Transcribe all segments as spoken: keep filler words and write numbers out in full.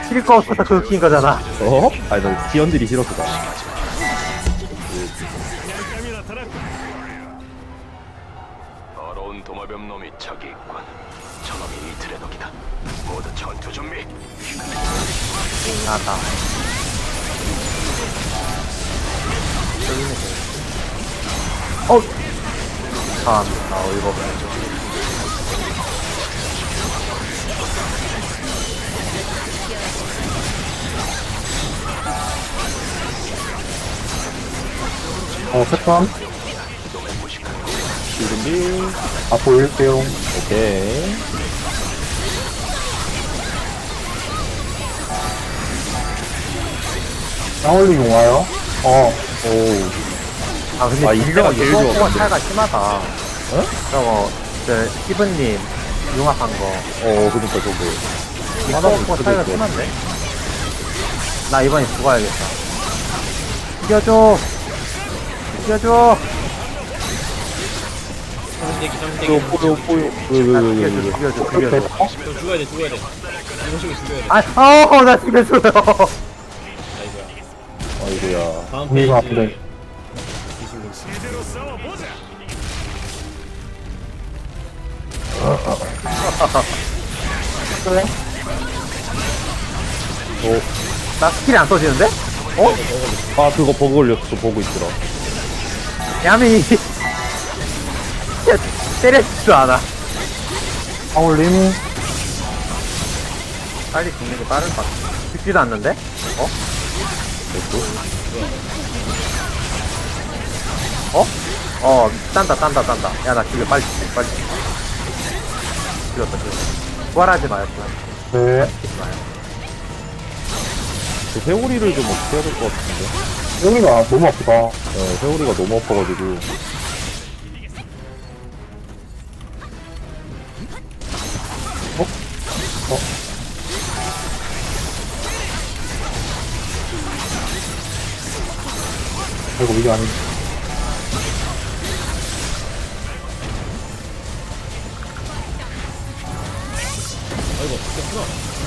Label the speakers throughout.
Speaker 1: 킬 거 없어서 그거 킨 거잖아.
Speaker 2: 어? 아니 나 지연들이 싫었어 나.
Speaker 3: 더러운 도마뱀 놈이 저기 있군. 저놈이 이틀의 덕이다. 모두 전투 준비.
Speaker 1: 나다. 어. 참, 나 어이가 없네.
Speaker 4: 어, 패턴.
Speaker 2: 준비.
Speaker 4: 앞으로 올릴게요.
Speaker 2: 오케이.
Speaker 4: 쌍올리용 와요. 어,
Speaker 2: 오.
Speaker 1: 아, 근데
Speaker 2: 아,
Speaker 1: 딜러가
Speaker 2: 이때가 제일
Speaker 1: 이거
Speaker 2: 좋았는데.
Speaker 1: 차이가 심하다.
Speaker 2: 어?
Speaker 1: 저거, 저, 시브님, 융합한 거.
Speaker 2: 어 그니까 저거.
Speaker 1: 이거 거 차이가 심한데? 나 이번에 죽어야겠다. 죽여줘! 죽여줘!
Speaker 2: 뽀요 뽀요 뽀요. 왜왜왜왜
Speaker 1: 죽여줘,
Speaker 2: 왜?
Speaker 1: 죽여줘, 죽여줘.
Speaker 5: 저 죽어야 돼, 죽어야 돼. 이거 식으로 죽어야 돼.
Speaker 1: 아, 어, 나 죽여줘요.
Speaker 5: 아이고야.
Speaker 2: 아이고야.
Speaker 5: 다음
Speaker 4: 우리가
Speaker 5: 페이지.
Speaker 4: 아픈데.
Speaker 5: 기술로.
Speaker 4: 그래?
Speaker 2: 어.
Speaker 1: 나 스킬이 안 써지는데? 어?
Speaker 2: 아 그거 버그 걸렸어. 버그 있더라.
Speaker 1: 야미. 때려주지도 않아.
Speaker 4: 쌍올림.
Speaker 1: 빨리 죽는 게 빠를 것 같아. 죽지도 않는데? 어? 어? 어, 딴다, 딴다, 딴다. 야, 나 죽여, 빨리 죽여, 빨리 죽여. 죽였다, 죽였다. 부활하지 마요, 부활.
Speaker 4: 네.
Speaker 1: 죽이지 마요.
Speaker 2: 그 회오리를 좀 어떻게 해야 될 것 같은데.
Speaker 4: 여기가 너무 아프다.
Speaker 2: 네, 회오리가 너무 아파가지고.
Speaker 4: 아이고, 이게 아니.
Speaker 5: 아이고, 죽겠구나.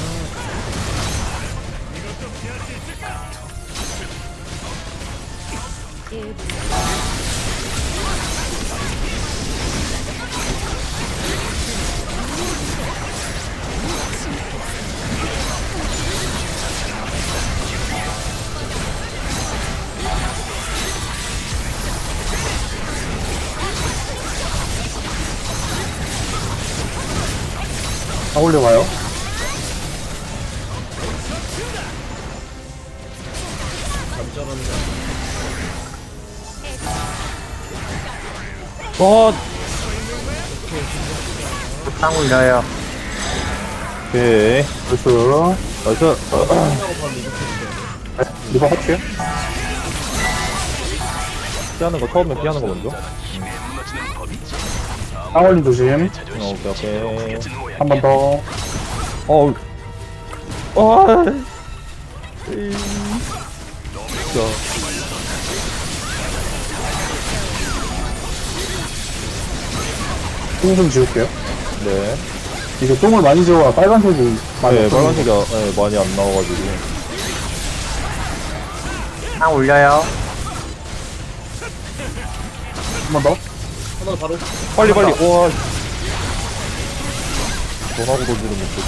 Speaker 4: 쌍올림 와요.
Speaker 5: 잠자란다.
Speaker 2: 와.
Speaker 1: 땅 올려요.
Speaker 2: 오케이.
Speaker 4: 나이스.
Speaker 2: 나이스.
Speaker 5: 하고 바로 리뷰 해주세요.
Speaker 4: 네, 리버 할게요.
Speaker 2: 피하는 거 처음에 피하는 거 먼저.
Speaker 4: 쌍올림 조심.
Speaker 2: 어, 오케이 오케이.
Speaker 4: 한 번 더.
Speaker 2: 어우. 와. 에이. 진짜.
Speaker 4: 똥 좀 지울게요.
Speaker 2: 네.
Speaker 4: 이게 똥을 많이 지워야 빨간색이 많이
Speaker 2: 네,
Speaker 4: 없어지는
Speaker 2: 빨간색이 아- 네, 많이 안 나와가지고.
Speaker 1: 땅 올려요.
Speaker 4: 한번 더.
Speaker 5: 하나 더 바로.
Speaker 2: 빨리 빨리. 와. 전화고 던지는 못보고.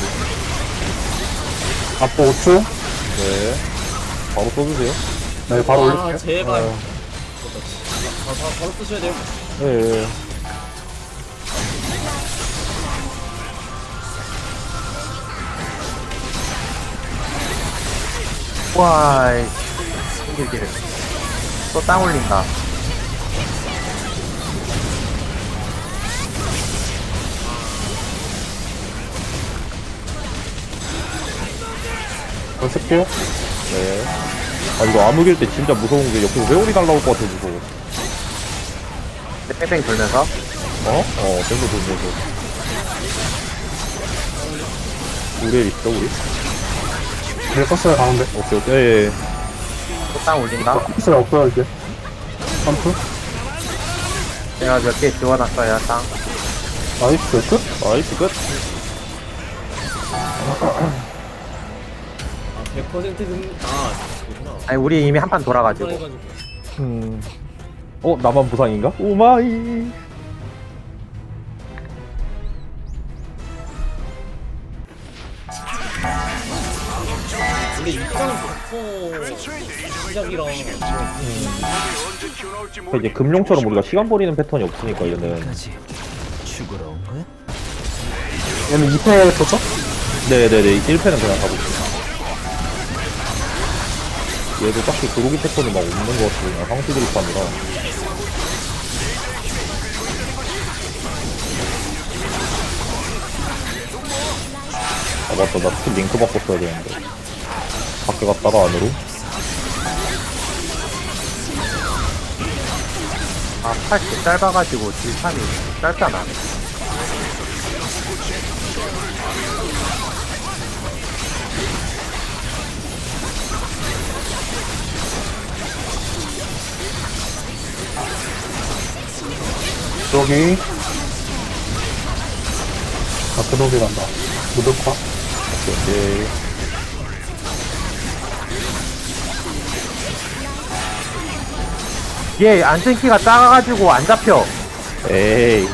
Speaker 4: 앞으로 오 초.
Speaker 2: 네. 바로 써주세요.
Speaker 4: 네, 바로
Speaker 5: 아,
Speaker 4: 올릴게요.
Speaker 5: 제발.
Speaker 4: 어,
Speaker 5: 아, 바, 바로 쓰셔야 돼요.
Speaker 2: 네.
Speaker 1: 와, 힘들기를. 또 땅 올린다.
Speaker 4: 더 쓸게요.
Speaker 2: 네. 아, 이거 암흑일 때 진짜 무서운 게 옆에서 회오리 날라올 것 같아, 무서워.
Speaker 1: 뺑뺑 돌면서.
Speaker 2: 어? 어, 뺑도 돌면서. 우리 있어, 우리?
Speaker 4: 네, 껐어요, 가운데.
Speaker 2: 오케이, 오케이. 예, 예.
Speaker 1: 또 땅 올린다.
Speaker 4: 껐어요, 없어요, 이제. 점프.
Speaker 1: 제가 몇 개 지워놨어요, 땅.
Speaker 4: 나이스, 끝.
Speaker 2: 나이스, 끝.
Speaker 5: 백 퍼센트는 아 그렇구나.
Speaker 1: 아니 우리 이미 한 판 돌아가지고.
Speaker 5: 해가지고.
Speaker 2: 음. 어 나만 부상인가? 오마이.
Speaker 5: 원래 육상 부터 시작이랑
Speaker 2: 그러니까 이제 금룡처럼 우리가 시간 버리는 패턴이 없으니까 얘는.
Speaker 4: 얘는 이 패 도착?
Speaker 2: 네네네 일 패는 그냥 가고 있어. 얘도 딱히 그로기 패턴이 막 없는 것 같고 그냥 상시 드립판이라. 아 맞다 나 스킬 링크 바꿨어야 되는데 밖에 갔다가 안으로.
Speaker 1: 아, 팔 개 짧아가지고 딜판이 짧잖아.
Speaker 4: 여기. 아, 그러게 간다. 무덕화?
Speaker 2: 오케이.
Speaker 1: 얘 안전키가 작아가지고 안 잡혀.
Speaker 2: 에이.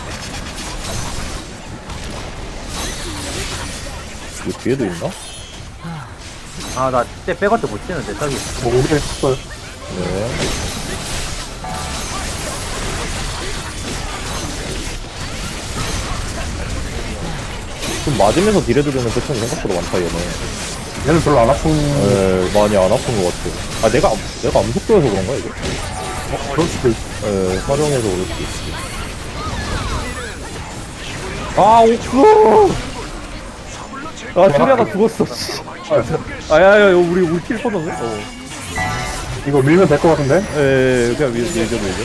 Speaker 2: 이거 뒤에도 있나?
Speaker 1: 아, 나 진짜 백어트 못 치는데, 저기.
Speaker 4: 뭐, 우리 했어요.
Speaker 2: 네. 좀 맞으면서 딜해도 되는 패턴이 생각보다 많다 얘네.
Speaker 4: 얘는 별로 안 아픈,
Speaker 2: 에 많이 안 아픈 것 같아. 아 내가 암- 내가 암속도여서 그런가 이거?
Speaker 4: 그럴 수도 있어.
Speaker 2: 에 활용해서 그럴 수도 있지. 아 옥수! 아 슈리아가 죽었어. 씨. 아야야 우리 우리 킬 퍼졌네. 어.
Speaker 4: 이거 밀면 될 것 같은데?
Speaker 2: 에 그냥 밀 밀죠 밀죠.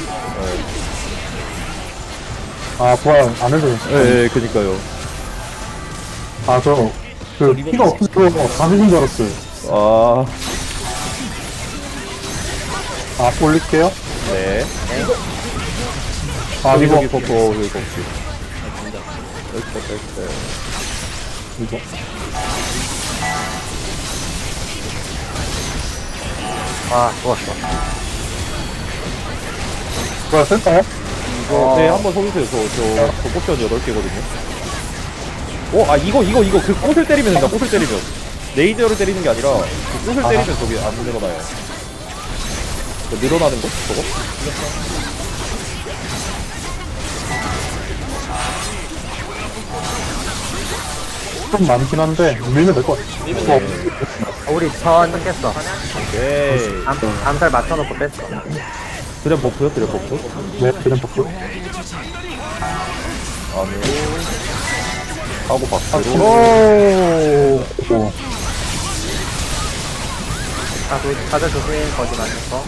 Speaker 4: 아, 부활 안 해도 돼.
Speaker 2: 에 그니까요.
Speaker 4: 아, 저, 그, 피가 없어서 다 죽은 줄 알았어요.
Speaker 2: 아
Speaker 4: 아, 올릴게요.
Speaker 2: 네.
Speaker 4: 아, 이거,
Speaker 2: 여기 버퍼 여기 버퍼. 여기 버퍼 네.
Speaker 4: 이거.
Speaker 1: 아, 좋았어.
Speaker 4: 부활 쓸까요?
Speaker 2: 이거 네 한번 서주세요. 저저 저 포션 여덟 개거든요. 어 아 이거 이거 이거 그 꽃을 때리면 된다. 꽃을 때리면 레이저를 때리는 게 아니라 그 꽃을 때리면 저기 안 늘어나요. 그 늘어나는 거 저거?
Speaker 4: 좀 많긴 한데, 밀면 될 것 같아.
Speaker 5: 밀면
Speaker 4: 어,
Speaker 1: 어, 우리 전 깼어.
Speaker 2: 오케이.
Speaker 1: 암, 암살 맞춰놓고 뺐어.
Speaker 2: 드랩 버프요 드랩 버프.
Speaker 4: 네, 그냥 바꾸.
Speaker 2: 안으로 하고 밖으로.
Speaker 4: 오, 오.
Speaker 1: 아, 도, 다들 조심, 거짓 맞았어.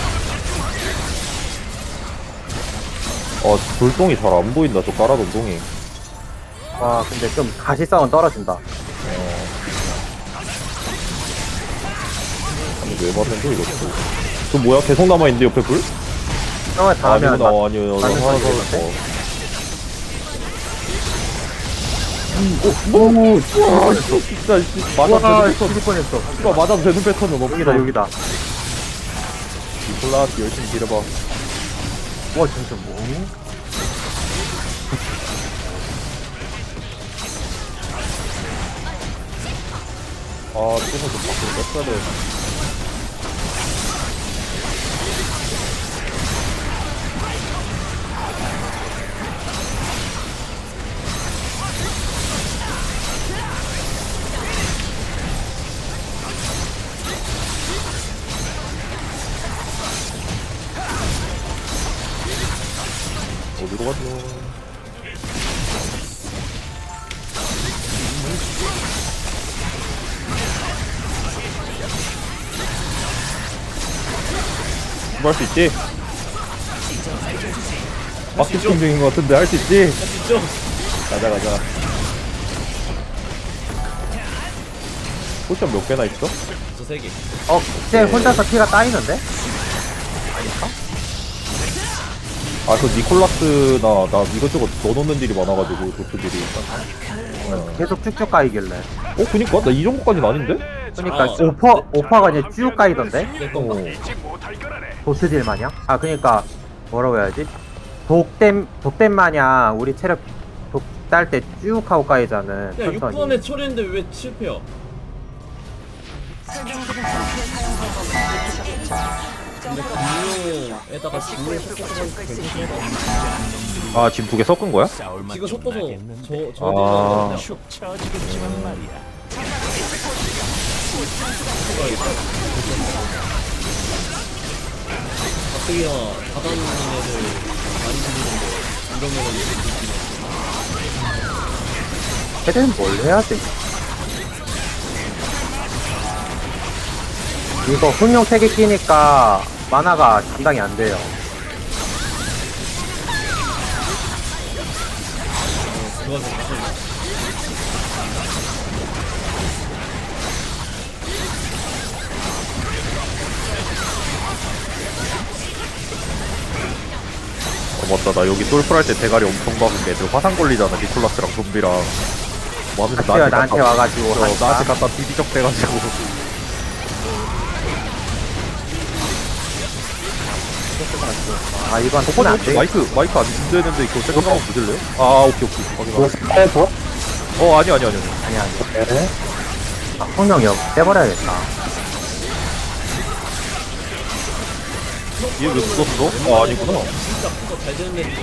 Speaker 2: 어 돌덩이 잘 안 보인다. 저 깔아둔 동이.
Speaker 1: 와, 근데 좀 가시성은 떨어진다.
Speaker 2: 아니 왜 맞는데 이것도. 저 뭐야 계속 남아 있는데 옆에 불?
Speaker 1: 형을 다 하면
Speaker 2: 아니구나
Speaker 1: 맞-
Speaker 2: 아니요
Speaker 1: 맞는
Speaker 2: 하나
Speaker 1: 소리
Speaker 2: 더.
Speaker 1: 같아?
Speaker 2: 오, 와, 진짜, 씨, 맞아도
Speaker 1: 와,
Speaker 2: 되는 패턴.
Speaker 1: 죽을 뻔했어.
Speaker 2: 이거 맞아도 되는 패턴은 없어.
Speaker 1: 여기다, 여기다.
Speaker 2: 니콜라, 열심히 길어봐.
Speaker 1: 와, 진짜 뭐?
Speaker 2: 아, 조금 좀 밖으로 뺐어야 돼. 어디로 가죠? 뭐 할 수 있지? 마케팅 중인 것 같은데 할 수 있지?
Speaker 5: 진짜
Speaker 2: 가자 가자. 포션 몇 개나 있어?
Speaker 5: 저 세 개.
Speaker 1: 어, 쟤 혼자서 피가 따이는데?
Speaker 2: 아, 그 니콜라스나 나 이것저것 넣어놓는 딜이 많아가지고 도트 딜이. 어,
Speaker 1: 계속 쭉쭉 가이길래.
Speaker 2: 어, 그니까 나 이 정도까지는 아닌데?
Speaker 1: 그니까
Speaker 5: 아.
Speaker 1: 오퍼 오퍼가 그냥 쭉 까이던데
Speaker 5: 내 건가?
Speaker 1: 도스질 마냥. 아 그니까 뭐라고 해야지? 독댐 독댐 마냥 우리 체력 독딸 때 쭉 하고 까이자는
Speaker 5: 야 육
Speaker 1: 천천히.
Speaker 5: 번에 처리했는데 왜 실패야? 근데 분명에다가 지금 섞어서
Speaker 2: 아 지금 두 개 섞은 거야?
Speaker 5: 지금 섞어서 저저
Speaker 2: 아.
Speaker 5: 가뜩이나 바다는 애들 많이 죽이는데 이러면은
Speaker 1: 걔는 뭘 해야 돼? 이거 흥룡 세 개 끼니까 만화가 감당이 안 돼요.
Speaker 5: 그거 좀 무슨
Speaker 2: 어 맞다 나 여기 솔플 할 때 대가리 엄청 박은 애들 화상 걸리잖아 니콜라스랑 좀비랑 뭐 하면서
Speaker 1: 같이가 나한테
Speaker 2: 갖다-
Speaker 1: 와가지고
Speaker 2: 어,
Speaker 1: 하니까.
Speaker 2: 나한테 갖다 비비적 대가지고
Speaker 1: 아 이건 톤 안 돼.
Speaker 2: 마이크 마이크 안 되는데 이거 세컨 한번 보실래요? 아 오케이 오케이
Speaker 4: 이거
Speaker 2: 확인하
Speaker 4: 스파이 더?
Speaker 2: 어 아니 아니 아니 아니
Speaker 1: 아니 아니.
Speaker 4: 네.
Speaker 1: 아, 흥룡 역 빼버려야겠다.
Speaker 2: 얘 왜 죽었어? 아 아니구나
Speaker 5: 진짜 그거 잘 되는 애들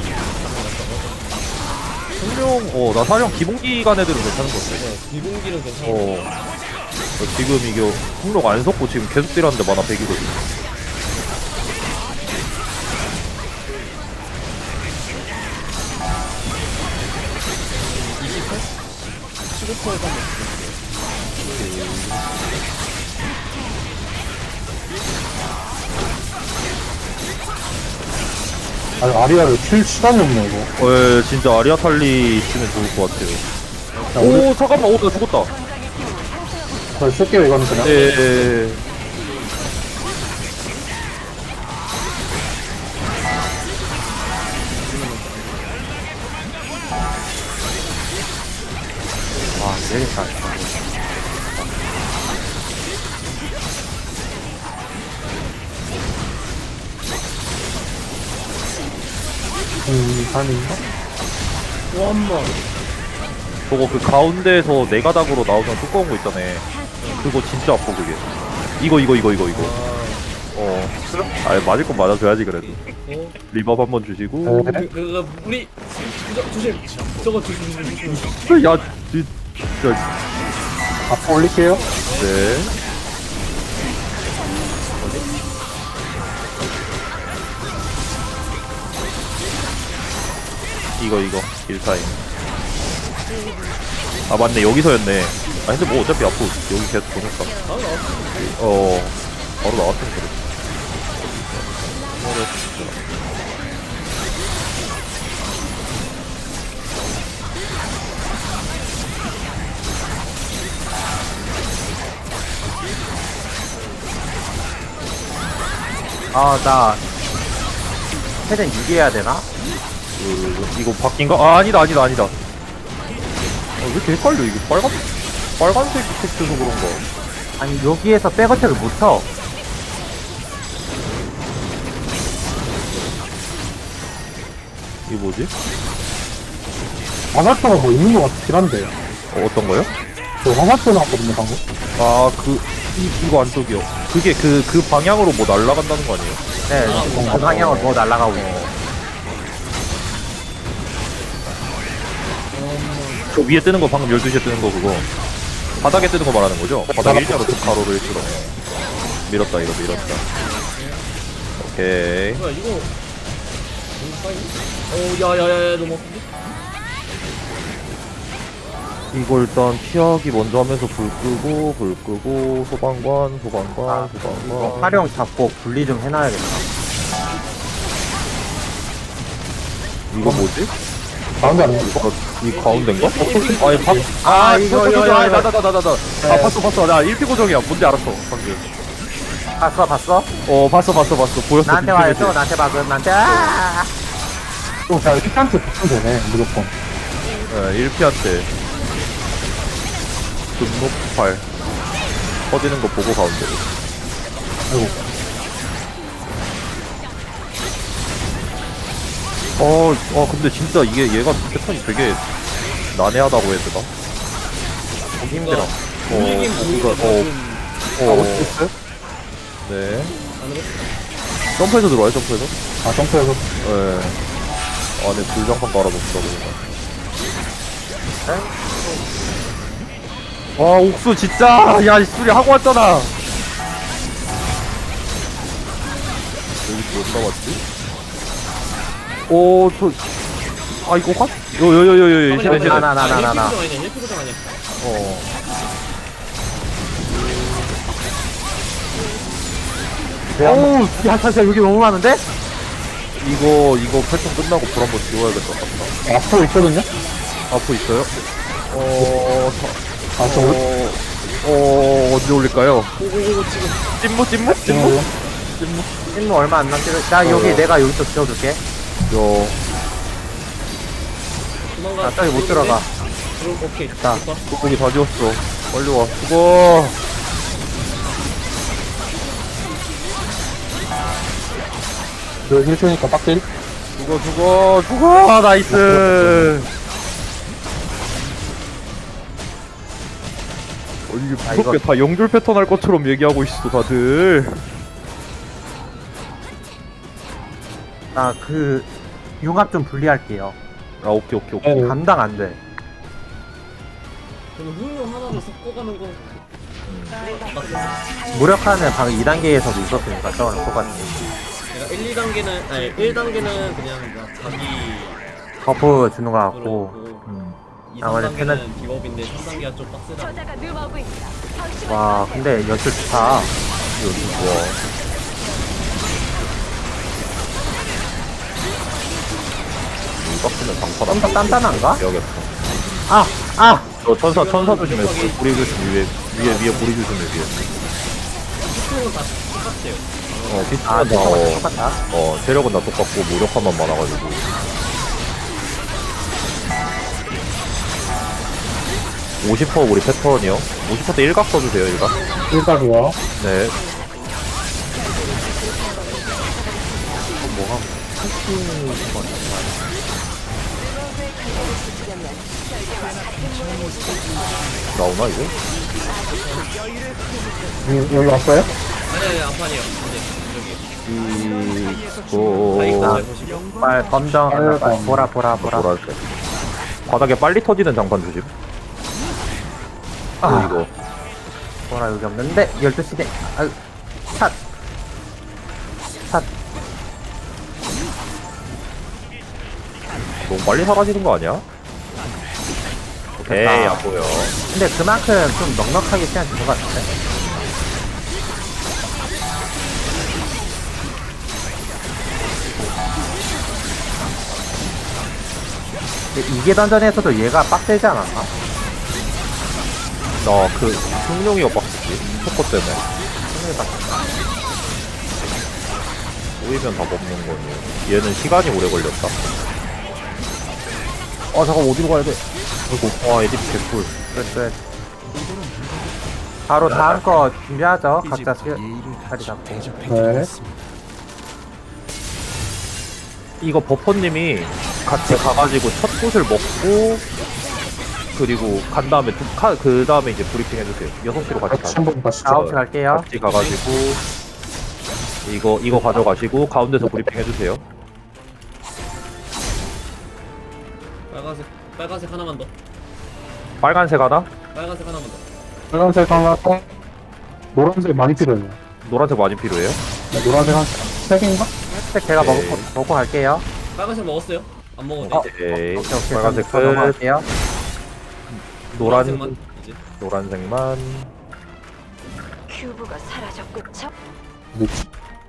Speaker 2: 성룡 어나 사령 기본기간 애들은 괜찮은 것 같아
Speaker 5: 네, 비공기는 괜찮아.
Speaker 2: 어 어, 지금 이게 성룡 안 섞고 지금 계속 딜하는데 만화 백이거든
Speaker 5: 십오 퍼센트 한번
Speaker 4: 아니, 아리아를 킬 시간이 없네, 이거.
Speaker 2: 어 예, 진짜 아리아탈리 쓰면 좋을 것 같아요
Speaker 4: 야, 우리,
Speaker 2: 오 잠깐만 오나 죽었다
Speaker 4: 저 쓸게요, 이거는 그냥.
Speaker 2: 예예예
Speaker 1: 와 되겠다.
Speaker 4: 음, 아닌가?
Speaker 5: 또 한 번.
Speaker 2: 저거 그 가운데에서 네 가닥으로 나오는 두꺼운 거 있잖아 그거 진짜 아파 그게 이거 이거 이거 이거 이거 어 아 맞을 건 맞아줘야지 그래도
Speaker 5: 어?
Speaker 2: 리밥 한번 주시고
Speaker 4: 네.
Speaker 5: 그, 그, 우리 저, 조심. 저거 조심 조심 조심.
Speaker 2: 야 진짜
Speaker 4: 앞으로 올릴게요.
Speaker 2: 네 이거 이거 일타임 아 맞네 여기서였네 아 근데 뭐 어차피 앞으로 여기 계속 보냈다
Speaker 5: 아 나왔어.
Speaker 2: 어 바로 나왔으면 그래
Speaker 1: 아나 최대한 유기해야 되나?
Speaker 2: 그, 이거 바뀐가? 아 아니다 아니다 아니다 아, 왜 이렇게 헷갈려 이게 빨간 빨간색 텍스트서 그런가
Speaker 1: 아니 여기에서 백어택을 못 쳐.
Speaker 2: 이게 뭐지?
Speaker 4: 화살표가 뭐 있는 것 같긴 한데.
Speaker 2: 어, 어떤 거요?
Speaker 4: 저 화살표 나왔거든요, 방금.
Speaker 2: 아 그 이거 안쪽이요 그게 그 그 방향으로 뭐 날아간다는 거 아니에요?
Speaker 1: 네, 그 방향으로 더 날아가고 있어.
Speaker 2: 저 위에 뜨는 거 방금 열두 시에 뜨는 거 그거 바닥에 뜨는 거 말하는 거죠? 바닥에 일자로 그 가로로 일자로 밀었다 이거 밀었다 오케이
Speaker 5: 뭐야 이거 너무 빨리? 어 야야야야 너무 아픈데?
Speaker 2: 이거 일단 피하기 먼저 하면서 불 끄고 불 끄고 소방관 소방관
Speaker 1: 아, 이거
Speaker 2: 소방관
Speaker 1: 활용 잡고 분리 좀 해놔야겠다.
Speaker 2: 이거 뭐지?
Speaker 4: 가운데 아니야, 이거?
Speaker 2: 어, 이 가운데인가? 어, 아니 박
Speaker 1: 아, 이거, 이거, 이거.
Speaker 2: 나나나나나나 아 봤어 봤어 나 일 피 고정이야 뭔지 알았어 방금
Speaker 1: 봤어, 봤어?
Speaker 2: 어 봤어 봤어 봤어 보였어
Speaker 1: 나한테 와요, 또 나한테 박은 나한테. 아!
Speaker 4: 또 그냥 일 피한테 붙으면 되네, 무조건.
Speaker 2: 네, 일 피한테 분노폭발 터지는 거 보고 가운데로.
Speaker 4: 아이고.
Speaker 2: 어, 어 근데 진짜 이게 얘가 패턴이 되게 난해하다고 해야 되나? 보기 힘들어. 어,
Speaker 5: 움직임
Speaker 2: 이거,
Speaker 5: 보기가
Speaker 2: 어,
Speaker 5: 좀
Speaker 2: 어,
Speaker 4: 있어요?
Speaker 2: 네.
Speaker 5: 안으로
Speaker 2: 점프해서 들어와요, 점프해서?
Speaker 4: 아, 점프해서.
Speaker 2: 네. 안에 불장판 깔아놓더라고. 와, 옥수 진짜! 야, 이 소리 하고 왔잖아! 여기 못 나왔지? 오, 저, 아, 이거 확? 요, 요, 요, 요, 요, 요,
Speaker 1: 나, 나, 나, 나, 나, 나.
Speaker 5: 일 피 고정 아니야 일 피 고정 아니야
Speaker 2: 어.
Speaker 1: 어우, 야, 사실 여기 너무 많은데?
Speaker 2: 이거, 이거 패턴 끝나고 불 한번 지워야겠다, 같다.
Speaker 4: 앞으로 있거든요?
Speaker 2: 앞으로 있어요? 어, 저,
Speaker 4: 아, 저, 올-
Speaker 2: 어, 어, 언제 올릴까요?
Speaker 5: 오오오 지금
Speaker 2: 찐무, 찐무?
Speaker 4: 지금,
Speaker 2: 찐무?
Speaker 1: 찐무 얼마 안 남지? 나 여기
Speaker 2: 어.
Speaker 1: 내가 여기서 지워줄게.
Speaker 2: 요,
Speaker 5: 도망가
Speaker 1: 나 저기 못 들어가.
Speaker 5: 들어 오케이
Speaker 1: 됐다.
Speaker 5: 됐다.
Speaker 2: 돋보기 다 지웠어. 빨리 와, 수고!
Speaker 4: 저 힐트니까 빡딜?
Speaker 2: 죽어, 죽어, 죽어! 나이스! 어, 이게
Speaker 1: 아,
Speaker 2: 무섭게
Speaker 1: 이거-
Speaker 2: 다 영줄 패턴 할 것처럼 얘기하고 있어, 다들.
Speaker 1: 나 그, 융합 좀 분리할게요.
Speaker 2: 아, 오케이, 오케이, 오케이.
Speaker 4: 네.
Speaker 1: 감당 안 돼.
Speaker 5: 저는 훌륭 하나를 섞어가는 거
Speaker 1: 무력화는 방금 이 단계에서도 있었으니까, 저거랑 똑같이.
Speaker 5: 내가 일, 이 단계는 아니 일 단계는 그냥 막 자기
Speaker 1: 버프 주는 거
Speaker 5: 그거로
Speaker 1: 같고.
Speaker 5: 하고
Speaker 2: 음.
Speaker 5: 이,
Speaker 1: 나머지
Speaker 5: 삼 단계는 비법인데 삼 단계가 좀 빡세다
Speaker 6: 저자가 늘어오고 있다.
Speaker 1: 와, 근데 연출 좋다.
Speaker 2: 이거 좋아. 이 박스는 장판
Speaker 1: 좀 더 단단한가?
Speaker 2: 해야겠다.
Speaker 1: 아! 아!
Speaker 2: 저 천사, 천사 조심해. 불이 조심, 위에, 위에, 위에 불이 조심해, 위에.
Speaker 5: 수능은 다 똑같대요
Speaker 2: 어,
Speaker 1: 아,
Speaker 2: 비슷하다.
Speaker 1: 똑같다,
Speaker 2: 어,
Speaker 1: 똑같다.
Speaker 2: 어, 체력은 다 똑같고, 무력화만 많아가지고. 오십 퍼센트 우리 패턴이요. 오십 퍼센트 일각 써주세요, 일각.
Speaker 4: 일각이요.
Speaker 2: 네. 나오나, 이거?
Speaker 4: 음, 여기 왔어요?
Speaker 5: 아니 아니 안판이에요 근데
Speaker 2: 이거,
Speaker 5: 여기 다 이거
Speaker 1: 아.
Speaker 5: 잘 보시고
Speaker 1: 빨, 검정,
Speaker 4: 아유,
Speaker 1: 빨,
Speaker 4: 검.
Speaker 1: 보라, 보라, 보라.
Speaker 2: 뭐랄까. 바닥에 빨리 터지는 장판 조심.
Speaker 1: 아.
Speaker 2: 아, 이거.
Speaker 1: 보라 여기 없는데? 열두 시대. 아유, 샷. 샷.
Speaker 2: 너무 빨리 사라지는 거 아니야? 오케이,
Speaker 1: 됐다.
Speaker 2: 안 보여.
Speaker 1: 근데 그만큼 좀 넉넉하게 시간 준것 같은데? 근데 이게 던전에서도 얘가 빡세지 않았나?
Speaker 2: 나 그, 흑룡이가 빡쳤지. 초코 때문에.
Speaker 1: 생각이 빡-
Speaker 2: 보이면 다 먹는 거니. 얘는 시간이 오래 걸렸다. 아, 잠깐 어디로 가야 돼? 아이고, 와, 에디피 개꿀.
Speaker 1: 끝, 끝. 바로 다음 거 준비하죠. 각자 시, 자리 잡고.
Speaker 4: 네.
Speaker 2: 이거 버퍼님이 같이 가가지고 첫 곳을 먹고, 그리고 간 다음에, 두, 카, 그 다음에 이제 브리핑 해주세요. 여섯 시로 같이
Speaker 4: 같이
Speaker 2: 가요.
Speaker 4: 한번 가시죠.
Speaker 1: 아홉 시 갈게요.
Speaker 2: 같이 가가지고, 이거, 이거 가져가시고, 가운데서 브리핑 해주세요.
Speaker 5: 빨간색 빨간색 하나만 더
Speaker 2: 빨간색 하나,
Speaker 5: 빨간색 하나만 더
Speaker 4: 빨간색 하나, 노란색 많이 필요해요.
Speaker 2: 노란색 많이 필요해요.
Speaker 4: 네, 노란색 한 세 개인가?
Speaker 1: 색 제가
Speaker 2: 오케이.
Speaker 1: 먹고, 먹고 갈게요.
Speaker 5: 빨간색 먹었어요? 안 먹었네
Speaker 2: 오케이.
Speaker 1: 오케이, 오케이.
Speaker 2: 빨간색
Speaker 1: 저
Speaker 2: 끝.
Speaker 1: 넘어갈게요.
Speaker 2: 노란,
Speaker 5: 노란색만 이제
Speaker 2: 노란색만.
Speaker 6: 큐브가 사라졌고 저
Speaker 4: 어디 있지?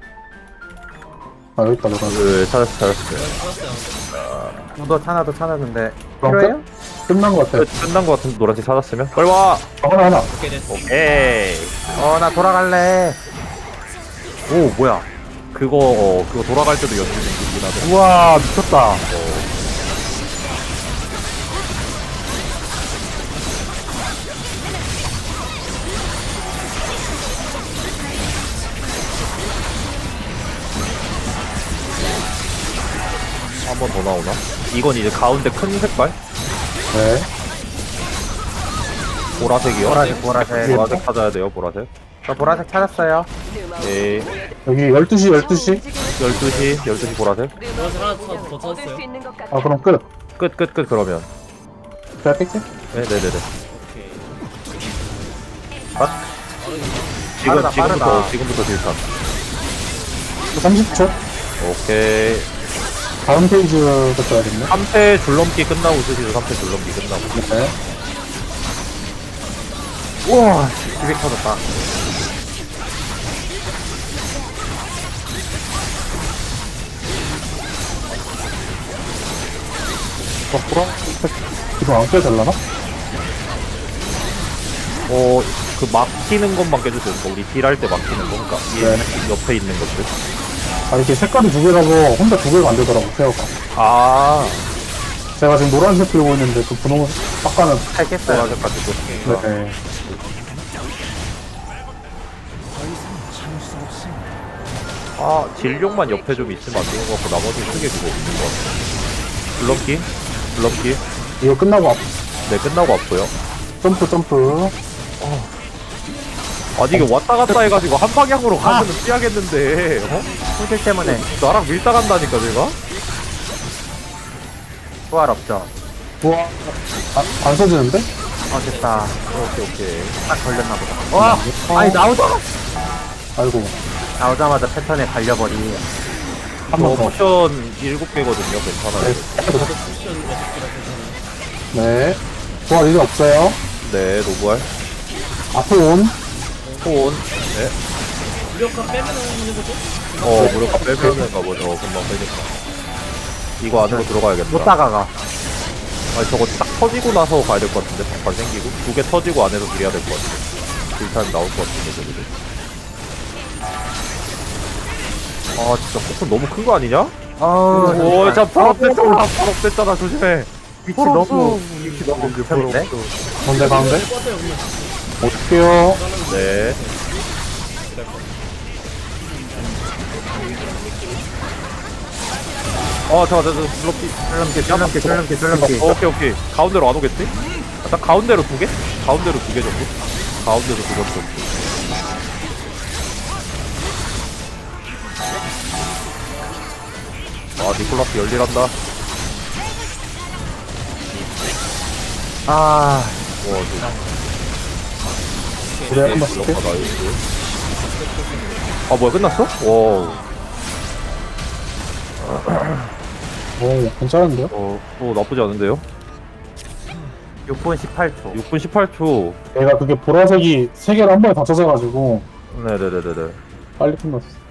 Speaker 4: 아, 여기 있다, 노란색.
Speaker 2: 그, 찾았어, 찾았어요.
Speaker 5: 찾았어요
Speaker 1: 저도 하나도 찾았는데.
Speaker 4: 그럼
Speaker 1: 필요해요?
Speaker 4: 끝? 끝난 것 같아요.
Speaker 2: 끝, 끝난 것 같은데, 노란색 찾았으면? 빨리 와!
Speaker 4: 하나, 하나.
Speaker 5: 오케이 됐어
Speaker 2: 오케이.
Speaker 1: 어, 나 돌아갈래. 오, 뭐야.
Speaker 2: 그거, 어, 그거 돌아갈 때도 연습이 있긴 하네.
Speaker 1: 우와, 미쳤다.
Speaker 2: 한 번 더 나오나? 이건 이제 가운데 큰 색깔?
Speaker 4: 네.
Speaker 2: 보라색이요?
Speaker 1: 보라색, 보라색.
Speaker 2: 보라색 찾아야 돼요, 보라색.
Speaker 1: 저 보라색 찾았어요.
Speaker 2: 예.
Speaker 4: 여기 열두 시, 열두 시.
Speaker 2: 열두 시, 열두 시 보라색.
Speaker 5: 보라색 하나 더, 더
Speaker 6: 얻을
Speaker 5: 찾았어요.
Speaker 6: 수 있는 것 같아.
Speaker 4: 아, 그럼 끝.
Speaker 2: 끝, 끝, 끝, 그러면.
Speaker 4: 제가 뺄게.
Speaker 2: 네네네네.
Speaker 5: 오케이.
Speaker 2: 아? 지금,
Speaker 1: 빠르다,
Speaker 2: 지금부터,
Speaker 1: 빠르다.
Speaker 2: 지금부터 딜탄.
Speaker 4: 삼십 초.
Speaker 2: 오케이.
Speaker 4: 다음 페이지부터 써야겠네.
Speaker 2: 삼 패 줄넘기 끝나고 쓰시죠, 삼 패 줄넘기 끝나고.
Speaker 4: 네.
Speaker 1: 우와, 기백 터졌다.
Speaker 4: 어, 보라? 이거 안 깨달라나?
Speaker 2: 어, 그 막히는 것만 깨주세요. 그러니까 우리 딜할 때 막히는 거. 그러니까 얘
Speaker 4: 네.
Speaker 2: 옆에 있는 것들.
Speaker 4: 아, 이렇게 색깔이 두 개라서 혼자 두 개가 안 되더라고, 페어가.
Speaker 2: 아,
Speaker 4: 제가 지금 노란색 들고 있는데 그 분홍 아까는
Speaker 1: 살겠어요.
Speaker 2: 보라색 같은 거.
Speaker 4: 네.
Speaker 2: 아, 진룡만 옆에 좀 있으면 안 되는 것 같고, 나머지는 크게 그거 없는 것 같아. 줄넘기? 줄넘기?
Speaker 4: 이거 끝나고 앞,
Speaker 2: 네, 끝나고 왔고요.
Speaker 4: 점프 점프.
Speaker 2: 아니, 이게 왔다 갔다 해가지고 한 방향으로 가면은 피하겠는데, 어?
Speaker 1: 손실 때문에
Speaker 2: 나랑 밀다 간다니까, 제가?
Speaker 1: 부활 없죠.
Speaker 4: 우와. 아, 안 써지는데?
Speaker 1: 어, 됐다.
Speaker 2: 오케이, 오케이.
Speaker 1: 딱 걸렸나 보다. 와! 아니, 나오자!
Speaker 4: 아이고.
Speaker 1: 나오자마자 패턴에 갈려버리.
Speaker 4: 한
Speaker 2: 저
Speaker 4: 번 더.
Speaker 2: 포션 일곱 개거든요, 괜찮아요.
Speaker 4: 네. 부활 이제 없어요.
Speaker 2: 네, 노부알.
Speaker 4: 앞에 온.
Speaker 2: 포온. 네.
Speaker 5: 무력화 빼면은 해보죠?
Speaker 2: 어, 무력화 빼면은 가보죠. 어, 금방 빼겠다. 이거 안으로 들어가야겠다.
Speaker 1: 못 다가가.
Speaker 2: 아니, 저거 딱 터지고 나서 가야 될 것 같은데, 발 생기고. 두 개 터지고 안에서 밀어야 될 것 같아. 딜타임 나올 것 같은데, 저기들. 아, 진짜 폭풍 너무 큰 거 아니냐?
Speaker 1: 어,
Speaker 2: 오, 자, 발업됐잖아. 발업됐잖아. 조심해.
Speaker 1: 위치 너무, 위치 너무 급했는데?
Speaker 4: 가운데 가운데.
Speaker 5: 뽑았어요, 그냥.
Speaker 4: 어떡해요.
Speaker 2: 네. 어, 잠깐, 잠깐, 블록기.
Speaker 1: 줄넘기, 줄넘기, 줄넘기, 줄넘기.
Speaker 2: 어, 오케이, 오케이. 가운데로 안 오겠지? 아, 딱 가운데로 두 개? 가운데로 두 개 정도? 가운데로 두 개 정도. 아, 니콜라스 열일한다.
Speaker 1: 아,
Speaker 2: 와, 저.
Speaker 4: 그래, 한번 쓸게.
Speaker 2: 블록가 나이스. 아, 뭐야, 끝났어? 와.
Speaker 4: 오, 괜찮은데요?
Speaker 2: 어, 어, 나쁘지 않은데요?
Speaker 1: 육 분 십팔 초.
Speaker 2: 육 분 십팔 초.
Speaker 4: 얘가 그게 보라색이 세 개를 한 번에 다 젖어가지고
Speaker 2: 네네네네네.
Speaker 4: 빨리 끝났어.